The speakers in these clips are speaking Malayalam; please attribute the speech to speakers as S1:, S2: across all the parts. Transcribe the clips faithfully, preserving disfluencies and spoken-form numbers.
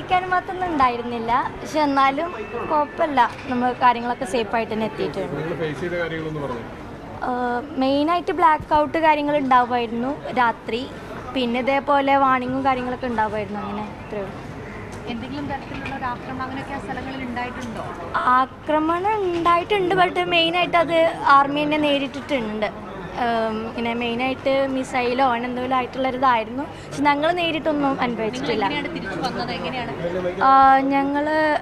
S1: പേടിക്കാനും മാത്രമൊന്നും ഉണ്ടായിരുന്നില്ല. പക്ഷെ എന്നാലും കുഴപ്പമില്ല, നമ്മൾ കാര്യങ്ങളൊക്കെ സേഫായിട്ട് തന്നെ എത്തിയിട്ടുണ്ട്. മെയിനായിട്ട് ബ്ലാക്ക് ഔട്ട് കാര്യങ്ങൾ ഉണ്ടാവുമായിരുന്നു രാത്രി. പിന്നെ ഇതേപോലെ വാണിങ്ങും കാര്യങ്ങളൊക്കെ ഉണ്ടാവുമായിരുന്നു. അങ്ങനെ ഇത്രയും.
S2: എന്തെങ്കിലും തരത്തിലുള്ള ഒരു ആക്രമണം അങ്ങനെയൊക്കെ ആ സ്ഥലങ്ങളിൽ ഉണ്ടായിട്ടുണ്ടോ?
S1: ആക്രമണം ഉണ്ടായിട്ടുണ്ട്. ബട്ട് മെയിനായിട്ട് അത് ആർമി തന്നെ നേരിട്ടിട്ടുണ്ട്. ഇങ്ങനെ മെയിനായിട്ട് മിസൈലോ അങ്ങനെ എന്തെങ്കിലും ആയിട്ടുള്ളൊരിതായിരുന്നു. പക്ഷെ ഞങ്ങൾ നേരിട്ടൊന്നും അനുഭവിച്ചിട്ടില്ല. ഞങ്ങൾ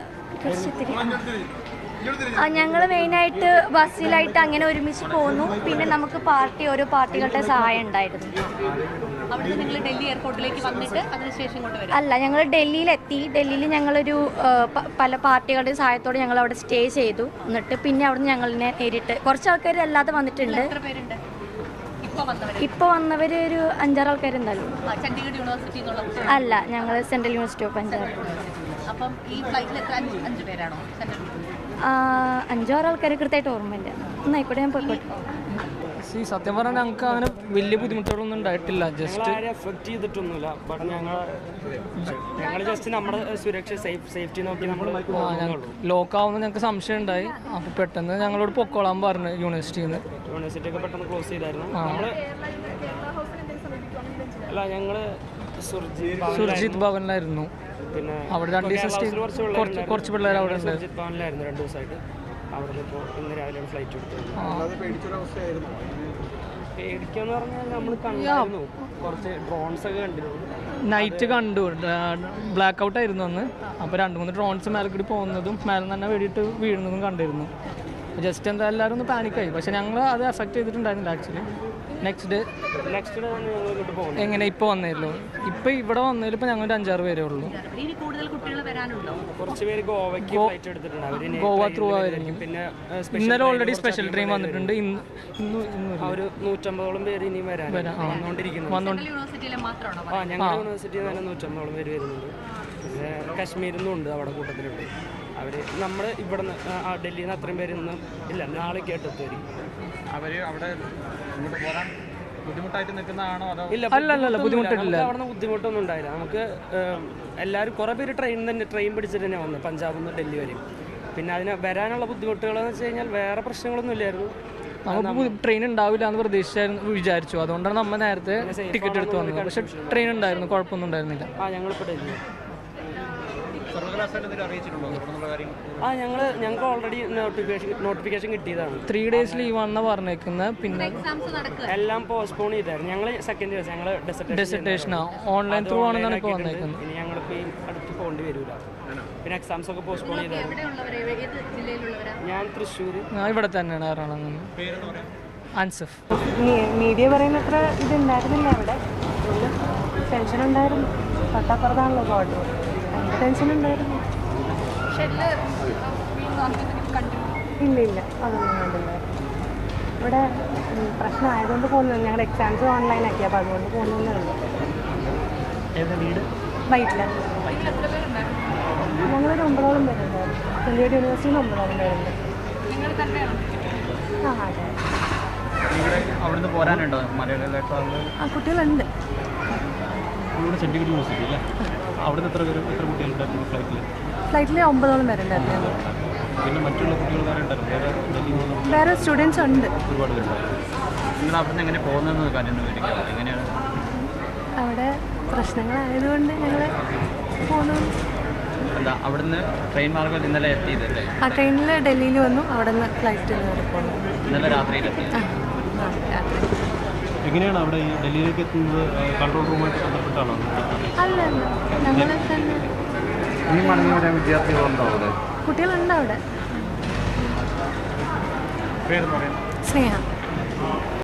S1: ഞങ്ങൾ മെയിനായിട്ട് ബസ്സിലായിട്ട് അങ്ങനെ ഒരുമിച്ച് പോന്നു. പിന്നെ നമുക്ക് പാർട്ടി ഓരോ പാർട്ടികളുടെ സഹായം ഉണ്ടായിരുന്നു. അല്ല, ഞങ്ങൾ ഡൽഹിയിലെത്തി. ഡൽഹിയിൽ ഞങ്ങളൊരു പല പാർട്ടികളുടെ സഹായത്തോടെ ഞങ്ങൾ അവിടെ സ്റ്റേ ചെയ്തു. എന്നിട്ട് പിന്നെ അവിടെ നിന്ന് ഞങ്ങളിനെ നേരിട്ട് കുറച്ച് ആൾക്കാർ അല്ലാതെ വന്നിട്ടുണ്ട്. ഇപ്പോൾ വന്നവർ ഒരു അഞ്ചാറ് ആൾക്കാരുണ്ടല്ലോ. അല്ല, ഞങ്ങൾ സെൻട്രൽ യൂണിവേഴ്സിറ്റി ഓഫ് പഞ്ചാബ്. അഞ്ചാറ് ആൾക്കാർ കൃത്യമായിട്ട് ഓർമ്മയില്ല. എന്നായിക്കോട്ടെ, ഞാൻ പോയിക്കോട്ടെ.
S3: സത്യം പറഞ്ഞാൽ ഞങ്ങൾക്ക് അങ്ങനെ വലിയ ബുദ്ധിമുട്ടുകളൊന്നും ഉണ്ടായിട്ടില്ല. Just
S4: effect ചെയ്തിട്ടൊന്നുമില്ല. ബട്ട് ഞങ്ങൾ ഞങ്ങൾ ജസ്റ്റ് നമ്മുടെ സുരക്ഷ സേഫ്റ്റി നോക്കി നമ്മൾ
S3: ലോക്ക് ആവുന്ന ഞങ്ങൾക്ക് സംശയം ഉണ്ടായി. അപ്പോൾ പെട്ടെന്ന് ഞങ്ങളോട് പൊക്കോളാൻ പറഞ്ഞു യൂണിവേഴ്സിറ്റിയിൽ നിന്ന്.
S4: യൂണിവേഴ്സിറ്റി ഒക്കെ പെട്ടെന്ന് ക്ലോസ് ചെയ്തായിരുന്നു. നമ്മൾ അല്ല ഞങ്ങൾ
S3: സുർജിത് ഭവനിലായിരുന്നു.
S4: പിന്നെ
S3: അവിടെ രണ്ട് ദിവസം കുറച്ച് പിള്ളേർ അവിടെ ഉണ്ട്.
S4: സുർജിത് ഭവനിലായിരുന്നു രണ്ട് ദിവസമായിട്ട്. അവിടെ ഇപ്പോൾ ഇന്ന് രാവിലെ ഫ്ലൈറ്റ് എടുത്തത്. പേടിക്കാന്ന് പറഞ്ഞാൽ നമ്മൾ കണ്ടായിരുന്നു, കുറച്ച് ഡ്രോൺസ് ഒക്കെ കണ്ടിരുന്നു.
S3: നൈറ്റ് കണ്ടു, ബ്ലാക്ക് ഔട്ട് ആയിരുന്നു അന്ന്. അപ്പോൾ രണ്ട് മൂന്ന് ഡ്രോൺസ് മേലെ കൂടി പോകുന്നതും മേലെ തന്നെ വെടിയിട്ട് വീഴുന്നതും കണ്ടിരുന്നു. ജസ്റ്റ് എന്താ എല്ലാവരും ഒന്ന് പാനിക്കായി. പക്ഷെ ഞങ്ങൾ അത് എഫക്ട് ചെയ്തിട്ടുണ്ടായിരുന്നില്ല actually. Next day
S4: next day പോകുന്നത്
S3: എങ്ങനെ ഇപ്പോൾ വന്നേരല്ലോ. ഇപ്പോൾ ഇവിടെ വന്നതിൽ ഇപ്പോൾ ഞങ്ങൾ ഒരു അഞ്ചാറ് പേരേ ഉള്ളൂ.
S4: കുറച്ച് പേര് ഗോവയ്ക്ക് ഫ്ലൈറ്റ് എടുത്തിട്ടുണ്ട്.
S3: ഗോവ ത്രൂ ആയിരിക്കും.
S4: പിന്നെ
S3: ഇന്നലെ ഓൾറെഡി സ്പെഷ്യൽ ട്രെയിൻ വന്നിട്ടുണ്ട്. ഇന്ന് ഇന്ന്
S4: ഒരു നൂറ്റമ്പതോളം പേര് ഇനി വരാൻ വന്നുകൊണ്ടിരിക്കുന്നു. ആ ഞങ്ങളുടെ യൂണിവേഴ്സിറ്റിയിൽ തന്നെ നൂറ്റമ്പതോളം പേര് വരുന്നുണ്ട്. പിന്നെ കാശ്മീരിൽ നിന്നും ഉണ്ട് അവിടെ കൂട്ടത്തിലുണ്ട്. അവർ നമ്മൾ ഇവിടെ നിന്ന് ഡൽഹിയിൽ നിന്ന് അത്രയും പേര് ഇന്നും ഇല്ല നാളെ കേട്ടെത്തുവരും.
S5: അവർ അവിടെ ഇങ്ങോട്ട് പോരാൻ ബുദ്ധിമുട്ടായിട്ട് നിൽക്കുന്നതാണോ അതോ?
S4: ഇല്ല,
S3: അല്ലല്ല ബുദ്ധിമുട്ടില്ല.
S4: അവിടെ നിന്ന് ബുദ്ധിമുട്ടൊന്നും ഉണ്ടായില്ല. നമുക്ക് എല്ലാവരും കുറേ പേര് ട്രെയിൻ തന്നെ ട്രെയിൻ പിടിച്ചിട്ട് തന്നെ വന്നത് പഞ്ചാബിൽ നിന്ന് ഡൽഹി വരെയും. പിന്നെ അതിന് വരാനുള്ള ബുദ്ധിമുട്ടുകളെന്ന് വെച്ച് കഴിഞ്ഞാൽ വേറെ പ്രശ്നങ്ങളൊന്നും ഇല്ലായിരുന്നു.
S3: നമുക്ക് ട്രെയിൻ ഉണ്ടാവില്ല എന്ന് പ്രതീക്ഷിച്ചായിരുന്നു വിചാരിച്ചു. അതുകൊണ്ടാണ് നമ്മൾ നേരത്തെ ടിക്കറ്റ് എടുത്ത് വന്നത്. പക്ഷെ ട്രെയിൻ ഉണ്ടായിരുന്നു, കുഴപ്പമൊന്നും ഉണ്ടായിരുന്നില്ല.
S4: ആ ഞങ്ങളിപ്പോൾ ഡൽഹി
S5: ആ
S4: ഞങ്ങൾ ഞങ്ങൾക്ക് ഓൾറെഡി നോട്ടിഫിക്കേഷൻ നോട്ടിഫിക്കേഷൻ കിട്ടിയതാണ്.
S3: ത്രീ ഡേയ്സ് ലീവാണെന്ന് പറഞ്ഞേക്കുന്നത്. പിന്നെ
S4: എല്ലാം പോസ്റ്റ്പോൺ ചെയ്തായിരുന്നു. ഞങ്ങൾ സെക്കൻഡ് ദിവസം ഞങ്ങൾ
S3: ഡെസർട്ടേഷനാ ഓൺലൈൻ ത്രൂ ആണെന്നാണ് ഇപ്പോൾ വന്നേക്കുന്നത്.
S4: ഇനി ഞങ്ങളിപ്പോൾ ഈ അടുത്ത് പോകേണ്ടി വരില്ല. പിന്നെ എക്സാംസ് ഒക്കെ പോസ്റ്റ്പോൺ ചെയ്തായിരുന്നു. ഞാൻ തൃശ്ശൂർ.
S3: ഇവിടെ തന്നെയാണ് എറണാകുളം. അൻസഫ്.
S2: മീഡിയ പറയുന്ന അത്ര ഇതുണ്ടായിരുന്നില്ല അവിടെ. ടെൻഷൻ ഉണ്ടായിരുന്നു. തൊട്ടപ്പുറത്താണല്ലോ ബോർഡ്. ടെൻഷൻ ഉണ്ടായിരുന്നു. ഇല്ല ഇല്ല അതൊന്നും കണ്ടില്ല. ഇവിടെ പ്രശ്നമായതുകൊണ്ട് പോകുന്നത്. ഞങ്ങളുടെ എക്സാംസ് ഓൺലൈനാക്കി. അപ്പോൾ അതുകൊണ്ട് പോകുന്നതേ ഉള്ളൂ. വൈറ്റില ഞങ്ങളൊരു ഒമ്പതോളം പേരുണ്ടായിരുന്നു. ചെറിയ യൂണിവേഴ്സിറ്റിയിൽ ഒമ്പതോളം പേരുണ്ട്. ആ അതെ.
S5: അവിടുന്ന് പോരാനുണ്ടോ?
S2: ആ കുട്ടികളുണ്ട്.
S5: സെൻറ്റിഗ്രേഡ് യൂണിവേഴ്സിറ്റി അല്ലേ? അവിടുന്ന് എത്ര പേര് എത്ര കുട്ടികളുണ്ടായിരുന്നു ഫ്ലൈറ്റിൽ?
S2: ഫ്ലൈറ്റിൽ ഒമ്പതോളം പേരുണ്ടായിരുന്നു.
S5: പിന്നെ മറ്റുള്ള കുട്ടികൾ വേറെ ഉണ്ടായിരുന്നു?
S2: വേറെ സ്റ്റുഡൻസ് ഉണ്ട്.
S5: ഒരുപാട് പേരുണ്ടായിരുന്നു. നിങ്ങൾ അവിടുന്ന് എങ്ങനെ പോകുന്നതെന്ന് കാര്യം വിവരിക്കാം. എങ്ങനെയാണ്
S2: അവിടെ പ്രശ്നങ്ങളായതുകൊണ്ട് ഞങ്ങൾ പോകുന്നു.
S5: എന്താ അവിടുന്ന് ട്രെയിൻ മാർഗം ഇന്നലെ എത്തിയതല്ലേ?
S2: ആ ട്രെയിനിൽ ഡൽഹിയിൽ വന്നു. അവിടെ നിന്ന് ഫ്ലൈറ്റിൽ നിന്ന് പോകുന്നു.
S5: ഇന്നലെ രാത്രിയിലെത്തി.
S2: രാത്രി.
S5: എങ്ങനെയാണ് അവിടെ ഈ ഡൽഹിയിലേക്ക് എത്തുന്നത്? കൺട്രോൾ റൂമായിട്ട് ബന്ധപ്പെട്ടാണോ?
S2: അല്ല അല്ല ഞങ്ങൾ തന്നെ.
S5: ഇനി മടങ്ങി വരാൻ വിദ്യാർത്ഥികളുണ്ടോ അവിടെ?
S2: കുട്ടികളുണ്ട് അവിടെ.
S5: പേര് പറയാം.
S2: സ്നേഹ.